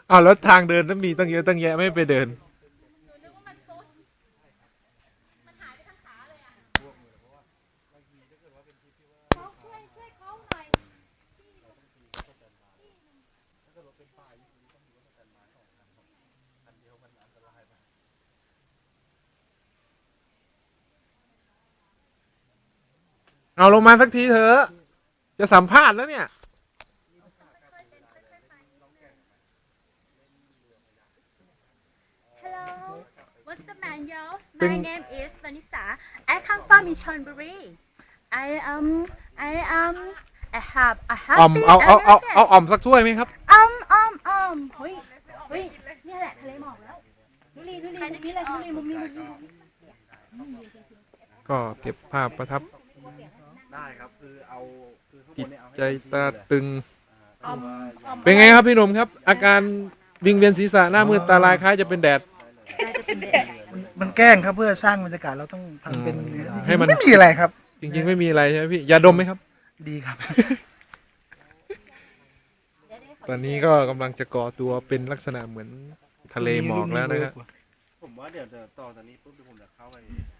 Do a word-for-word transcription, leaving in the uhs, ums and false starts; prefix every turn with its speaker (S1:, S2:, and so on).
S1: อ้าวแล้วทางเดินนั้นมีตั้งเยอะตั้งแยะไม่ไปเดินเอาลงมาสักทีเถอะจะสัมภาษณ์แล้วเนี่ย
S2: Hello, what's up, man, yo?
S1: เป็น
S2: My name is Vanessa. I come from Chonburi. I um, I um, I have a
S1: อ่อม
S2: happy
S1: เอาเอาเอาเอา
S2: anniversary.
S1: อ่อมสักถ้วยไหมครับ
S2: Um, um, um. เฮ้ยเฮ้ยเนี่ยแหละทะเลหมอกแล้วดูรีดูรีมุมนี้เลยดูรีมุมนี้มุมนี้
S1: ก็เก็บภาพประทับ
S3: ได้ครับคือเอาคือข้างบ
S1: จิต
S3: นเนี่ยเอาให้
S1: ใจ
S3: เต็มที่
S1: ตา
S3: เลย
S1: ตึง
S3: อ่าคือว่าอย่าง
S1: เป็นไงครับพี่หนุ่มครับ อาการวิงเวียนศีรษะหน้ามืดตาลายคล้ายจะเป็นแดด
S4: มันแกล้งครับเพื่อสร้างบรรยากาศเราต้องทำเป็น
S1: อืม
S4: จ
S1: ให้
S4: ริงๆ
S1: มัน
S4: ไม่มีอะไรครับ
S1: จริงๆไม่มีอะไรใช่ไหมพี่ยาดมไหมครับ
S4: ดีครับ
S1: ตอนนี้ก็กำลังจะก่อตัวเป็นลักษณะเหมือนทะเลหมอกแล้วนะครับ
S3: ผมว่าเดี๋ยวเดี๋ยวต่อจากนี้ปุ๊บเดี๋ยวผมจะเข้าไป